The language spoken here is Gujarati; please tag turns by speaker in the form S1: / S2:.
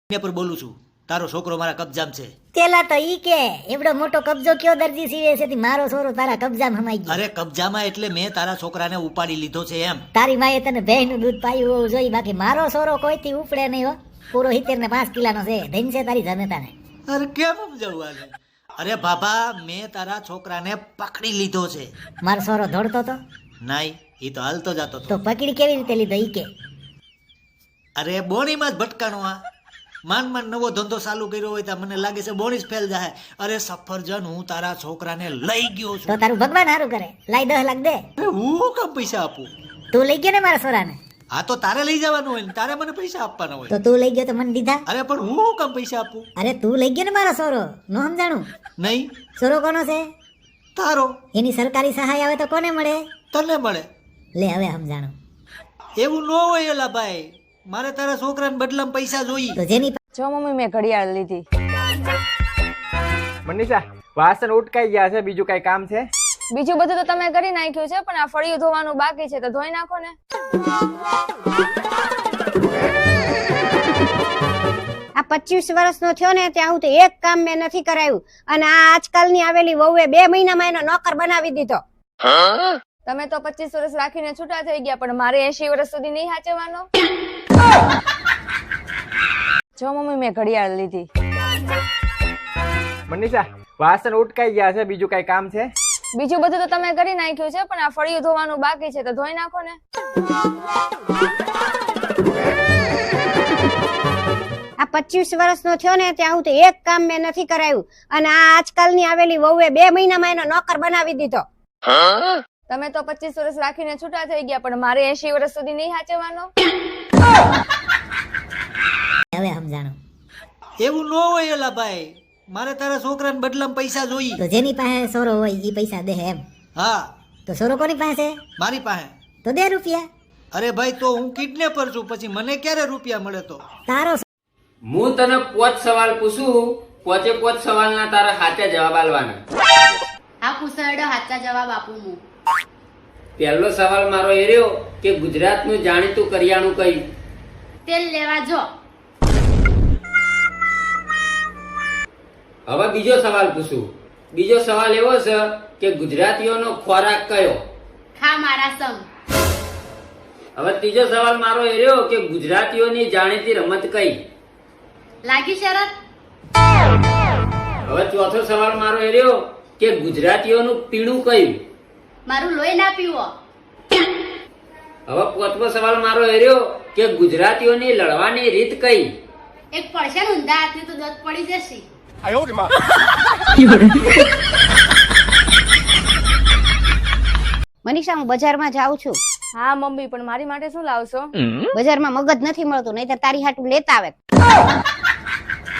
S1: પર બોલું છું. તારો છોકરો મારા કબજામાં છે.
S2: પેલા તો ઈ કે એવડો મોટો કબજો કયો દરજી સીવે છે તી મારો છોરો તારા કબજામાં હમાઈ ગયો.
S1: અરે કબજામાં એટલે મેં તારા છોકરાને ઉપાડી લીધો છે એમ.
S2: તારી માએ તને ભેંસનું દૂધ પાયું હોવું જોઈએ, બાકી મારો છોરો કોઈથી ઉપડે નહીં હો. પૂરો 70 ને 5 કિલાનો છે. ધન છે તારી જનતાને.
S1: અરે કેમ સમજાવું આને? અરે બાબા, મેં તારા છોકરાને પકડી લીધો છે.
S2: મારો છોરો દોડતો તો
S1: નાઈ, એ તો હાલતો જતો
S2: તો
S1: હતો.
S2: પકડી કેવી રીતે લીધો ઈ કે?
S1: અરે બોણીમાં જ ભટકાણો. આ માંડ નવો ધંધો ચાલુ કર્યો હોય તો મને લાગે છે બોણી જ ફેલ જાય. અરે સફરજન, હું તારા છોકરાને લઈ ગયો
S2: તો
S1: છું.
S2: તારું ભગવાન હારું કરે. લાઈ 10 લાખ દે.
S1: અરે હું કેમ પૈસા આપું?
S2: તું લઈ ગયો ને મારા છોરાને?
S1: આ તો તારે લઈ જવાનું હોય ને તારે મને પૈસા આપવાના હોય.
S2: તો તું લઈ ગયો તો મને દીધા?
S1: અરે પણ હું કેમ પૈસા આપું?
S2: અરે તું લઈ ગયો ને મારો છોરો, નો સમજાણું?
S1: નહીં,
S2: છોરો કોનો છે?
S1: તારો.
S2: એની સરકારી સહાય આવે તો કોને મળે?
S1: તને મળે.
S2: લે હવે સમજાણું.
S1: એવું ન હોય એલા ભાઈ, મારે તારા છોકરાને બદલામાં પૈસા જોઈએ.
S2: તો જેની
S3: જો મમ્મી મેં ઘડિયાળ લીધી.
S4: મનીષા, વાસણ ઉટકાઈ ગયા છે, બીજું કઈ કામ છે?
S3: બીજું બધું તો તમે કરી નાખ્યું છે, પણ આ ફળિયું ધોવાનું બાકી છે તો ધોઈ નાખો ને.
S5: આ 25 વર્ષનો થયો ને ત્યાં હું તો એક કામ મેં નથી કરાયું, અને આ આજકાલની આવેલી વહુએ 2 મહિનામાં એનો નોકર બનાવી દીધો.
S3: તમે તો 25 વર્ષ રાખીને છૂટા થઈ ગયા, પણ મારે 80 વર્ષ સુધી નહીં સાચવવાનો. જો મમ્મી મેં ઘડિયાળ લીધી.
S4: મનીષા, વાસણ ઉટકાઈ ગયા છે, બીજું કઈ કામ છે?
S3: બીજું બધું તો તમે કરી નાખ્યું છે, પણ આ ફળિયું ધોવાનું બાકી છે તો ધોઈ નાખો ને.
S5: આ 25 વર્ષનો થયો ને ત્યાં હું તો એક કામ મેં નથી કરાયું, અને આ આજકાલની આવેલી વહુએ 2 મહિનામાં એનો નોકર બનાવી દીધો.
S3: તમે તો 25 વર્ષ રાખીને છૂટા થઈ ગયા, પણ મારે 80 વર્ષ સુધી નહીં સાચવવાનો.
S2: હવે સમજાણું.
S1: એવું ન હોય એલા ભાઈ, મારે તારા છોકરાને બદલામાં પૈસા જોઈએ.
S2: તો જેની પાસે છોરો હોય ઈ પૈસા દે એમ?
S1: હા,
S2: તો છોરો કોની પાસે?
S1: મારી પાસે.
S2: તો દે રૂપિયા.
S1: અરે ભાઈ, તો હું કિડનેપર છું, પછી મને ક્યારે રૂપિયા મળે? તો
S2: તારો
S6: હું તને 5 સવાલ પૂછું, 5 સવાલના તારા સાચા જવાબ આલવાના.
S7: આ પૂછાડો સાચા જવાબ આપું હું.
S6: પહેલો સવાલ મારો એ રહ્યો કે ગુજરાતનું જાણીતું કરિયાણું કયું?
S7: તેલ લેવા જો.
S6: હવે બીજો સવાલ પૂછું. બીજો સવાલ એવો છે કે ગુજરાતીઓનો ખોરાક કયો?
S7: ખા મારા સંગ.
S6: હવે ત્રીજો સવાલ મારો એ રહ્યો કે ગુજરાતીઓની જાણીતી રમત કઈ?
S7: લાગી શરત?
S6: હવે ચોથો સવાલ મારો એ રહ્યો કે ગુજરાતીઓનું પીણું કયું?
S7: મારું લોહી ના પીવો.
S6: હવે પાંચમો સવાલ મારો એ રહ્યો કે ગુજરાતીઓની લડવાની રીત કઈ?
S7: એક પડશે ને ઊંધા હાથની તો દોત પડી જશે.
S5: મનીષા, હું બજારમાં જાઉં છું.
S3: હા મમ્મી, પણ મારી માટે શું લાવશો?
S5: બજારમાં મગજ નથી મળતું, નહીતર તારી હાટું લેતા આવે.